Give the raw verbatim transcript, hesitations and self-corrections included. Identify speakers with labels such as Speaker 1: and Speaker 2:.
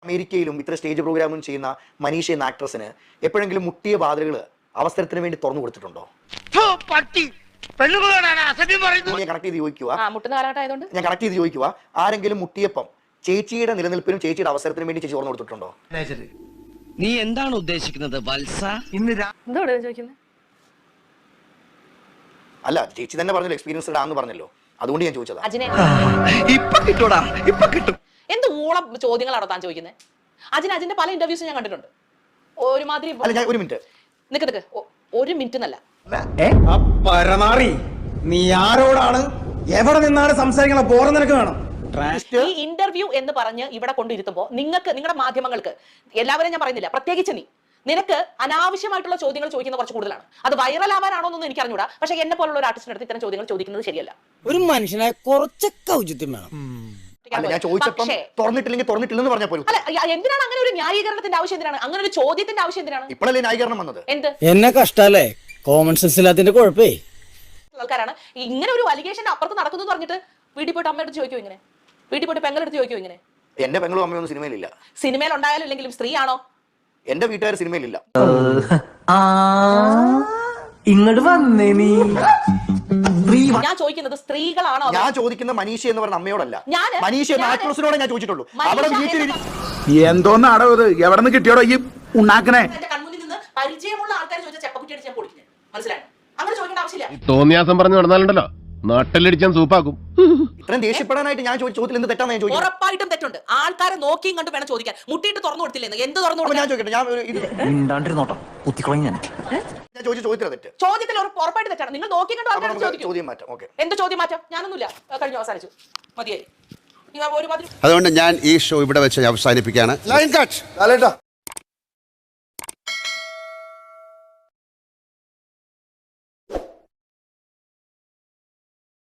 Speaker 1: അമേരിക്കയിലും ഇത്ര സ്റ്റേജ് പ്രോഗ്രാമും ചെയ്യുന്ന മനീഷ എന്ന ആക്ട്രസിന് എപ്പോഴെങ്കിലും മുട്ടിയ വാതിലുകൾ അവസരത്തിന് വേണ്ടി തുറന്നു കൊടുത്തിട്ടുണ്ടോ? ഞാൻ കണക്ട് ചെയ്ത് ചോദിക്കുക ഞാൻ കണക്ട് ചെയ്ത് ചോദിക്കുക ആരെങ്കിലും മുട്ടിയപ്പം ചേച്ചിയുടെ നിലനിൽപ്പിനും ചേച്ചിയുടെ അവസരത്തിനും വേണ്ടി ചേച്ചി തുറന്നു കൊടുത്തിട്ടുണ്ടോ?
Speaker 2: നീ എന്താണ് ഉദ്ദേശിക്കുന്നത് വത്സ?
Speaker 1: അല്ല, ചേച്ചി തന്നെ പറഞ്ഞല്ലോ എക്സ്പീരിയൻസ് ആണെന്ന് പറഞ്ഞല്ലോ, അതുകൊണ്ട് ഞാൻ ചോദിച്ചതാ.
Speaker 2: ഇപ്പൊ കിട്ടൂടാ, ഇപ്പൊ കിട്ടും.
Speaker 3: എന്ത് ഊളം ചോദ്യങ്ങളാണോ താൻ ചോദിക്കുന്നത്? അജിന് അജിന്റെ പല ഇന്റർവ്യൂസും ഞാൻ കണ്ടിട്ടുണ്ട്. ഒരുമാതിരി
Speaker 1: അല്ല, ഞാൻ ഒരു മിനിറ്റ്
Speaker 3: നിക്ക് നിക്ക് ഒരു മിനിറ്റ് എന്നല്ല.
Speaker 4: പരമാറി നീ ആരോടാണ് എവിടെ നിന്നാണ് സംസാരിക്കണം? ബോറം നിനക്ക് വേണം.
Speaker 3: ഈ ഇന്റർവ്യൂ എന്ന് പറഞ്ഞ് ഇവിടെ കൊണ്ടിരുത്തുമ്പോ നിങ്ങൾക്ക് നിങ്ങളുടെ മാധ്യമങ്ങൾക്ക് എല്ലാവരും ഞാൻ പറയുന്നില്ല, പ്രത്യേകിച്ച് നീ നിനക്ക് അനാവശ്യമായിട്ടുള്ള ചോദ്യങ്ങൾ ചോദിക്കുന്ന കുറച്ച് കൂടുതലാണ്. അത് വൈറൽ ആവാനാണോ എന്നൊന്നും എനിക്ക് അറിഞ്ഞൂടാ. പക്ഷെ എന്നെ പോലുള്ള ഒരു ആർട്ടിസ്റ്റിന്റെ അടുത്ത് ഇത്തരം ചോദ്യങ്ങൾ ചോദിക്കുന്നത് ശരിയല്ല.
Speaker 2: ഒരു മനുഷ്യനെ കുറച്ചൊക്കെ ഔചിത്യം വേണം.
Speaker 1: ഞാൻ ചോദിച്ചപ്പം തുറന്നിട്ടില്ലെങ്കിൽ തുറന്നിട്ടില്ലെന്ന് പറഞ്ഞാൽ പോലും.
Speaker 3: അല്ല, എന്തിനാണ് അങ്ങനെ ഒരു ന്യായീകരണത്തിന്റെ ആവശ്യം? എന്തിനാണ് അങ്ങനെ ഒരു ചോദ്യത്തിന്റെ ആവശ്യം? എന്തിനാണ്
Speaker 1: ഇപ്പോഴല്ലേ ന്യായീകരണം വന്നത്?
Speaker 3: എന്ത്
Speaker 2: എന്നെ കഷ്ടല്ലേ, കോമൺ സെൻസ് ഇല്ലാത്തിന്റെ കുഴപ്പേ.
Speaker 3: ആൾക്കാരാണ് ഇങ്ങനെ ഒരു അലിഗേഷന്റെ അപ്പുറത്ത് നടക്കുന്നു പറഞ്ഞിട്ട് വീട്ടിൽ പോയിട്ട് അമ്മയുടെ ചോദിക്കോ? ഇങ്ങനെ വീട്ടിൽ പോയിട്ട് പെങ്ങളെടുത്ത് ചോദിക്കോ? ഇങ്ങനെ
Speaker 1: എന്റെ പെങ്ങളും അമ്മയൊന്നും സിനിമയിലില്ല.
Speaker 3: സിനിമയിൽ ഉണ്ടായാലും ഇല്ലെങ്കിലും സ്ത്രീ ആണോ?
Speaker 1: എന്റെ വീട്ടുകാർ സിനിമയിലില്ല.
Speaker 4: ഇങ്ങോട്ട് വന്നേ നീ.
Speaker 3: ഞാൻ ചോദിക്കുന്നത് സ്ത്രീകളാണോ?
Speaker 1: ഞാൻ ചോദിക്കുന്ന മനീഷ എന്ന് പറഞ്ഞ അമ്മയോടല്ല,
Speaker 3: ഞാൻ
Speaker 1: മനീഷ എന്ന ആക്ട്രസിനോടെ ഞാൻ ചോദിച്ചിട്ടുള്ളൂ. അവിടെ വീട്ടിൽ
Speaker 5: എന്തോന്നാടോ ഇത്? എവിടെ നിന്ന് കിട്ടിയോടോ ഈ ഉണ്ടാക്കണേ?
Speaker 3: എന്റെ കൺമുന്നിൽ നിന്ന് പരിചയമുള്ള ആൾക്കാർ ചോദിച്ച ചെപ്പക്കുറ്റിയാണ് ഞാൻ പൊളിക്കുന്നത്. മനസ്സിലായോ? അങ്ങനെ ചോദിക്കേണ്ട ആവശ്യമില്ല.
Speaker 6: തോന്നിയാസം പറഞ്ഞു നടന്നാലുണ്ടല്ലോ നാട്ടിലടിച്ചാൻ സൂപ്പാക്കും.
Speaker 1: ഇത്രയും ദേഷ്യപ്പെടാനായിട്ട് ഞാൻ ചോദിച്ചതിൽ എന്ത് തെറ്റാണ് ഞാൻ ചോദിക്കുന്നത്?
Speaker 3: ഉറപ്പായിട്ടും തെറ്റുണ്ട്. ആൾക്കാരെ നോക്കിയും കണ്ടു വേണം ചോദിക്കാൻ. മുട്ടിയിട്ട് തുറന്നു കൊടുത്തില്ലെന്ന് എന്ത് തുറന്നു
Speaker 1: ഞാൻ ചോദിക്കട്ടെ, ഞാൻ ഒരു ഇത് ഞാൻ ചോദിച്ച ചോദ്യത്തില തെറ്റ്.
Speaker 3: ചോദ്യത്തിൽ ഉറപ്പായിട്ട് തെറ്റാണ്. നിങ്ങൾ നോക്കി കണ്ടു ആൾക്കാർ ചോദിക്കും.
Speaker 1: ചോദ്യം മാറ്റാം. ഓക്കെ,
Speaker 3: എന്ത് ചോദ്യം മാറ്റാം? ഞാനൊന്നുമില്ല, കഴിഞ്ഞു, അവസാനിച്ചു, മതിയായി.
Speaker 7: അതുകൊണ്ട് ഞാൻ ഈ ഷോ ഇവിടെ വെച്ച് അവസാനിപ്പിക്കുകയാണ്. Line cut.